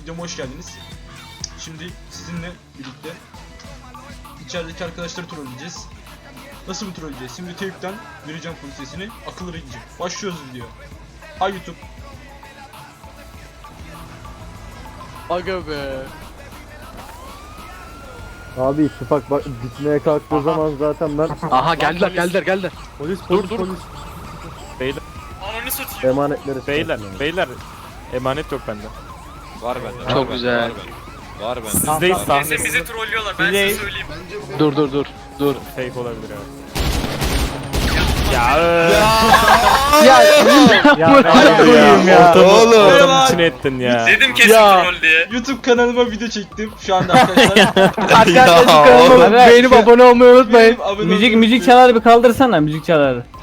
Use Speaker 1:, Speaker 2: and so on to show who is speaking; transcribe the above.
Speaker 1: videoma hoş geldiniz. Şimdi sizinle birlikte içerideki arkadaşları trolleyeceğiz. Nasıl bir trolleyeceğiz? Şimdi teypten vereceğim full sesini, akıllı gidecek. Başlıyoruz video. Hay YouTube.
Speaker 2: Aga be.
Speaker 3: Abi ittifak bak bitmeye kalktığı zaman zaten ben
Speaker 2: Aha geldiler.
Speaker 3: polis
Speaker 2: Dur.
Speaker 4: Beyler,
Speaker 5: Ananı satayım.
Speaker 3: emanetleri
Speaker 4: beyler emanet yok bende.
Speaker 6: Var bende.
Speaker 2: Çok güzel.
Speaker 6: Var bende.
Speaker 4: Sizdeyiz
Speaker 5: Bizi
Speaker 4: sahne.
Speaker 5: trollüyorlar ben
Speaker 4: Bizi-
Speaker 5: size söyleyeyim.
Speaker 2: Dur.
Speaker 4: Fake olabilir evet.
Speaker 3: ya.
Speaker 4: Ortamın içine ettin ya.
Speaker 5: Dedim kesin
Speaker 2: Ya.
Speaker 5: troll diye.
Speaker 1: YouTube kanalıma video çektim şu anda arkadaşlar.
Speaker 2: Arkadaşlar kanalıma beğenip abone olmayı unutmayın.
Speaker 1: Benim abone
Speaker 7: Müzik
Speaker 1: olduğunuz
Speaker 7: müzik
Speaker 1: için
Speaker 7: çaları bir kaldırsana müzik çaları.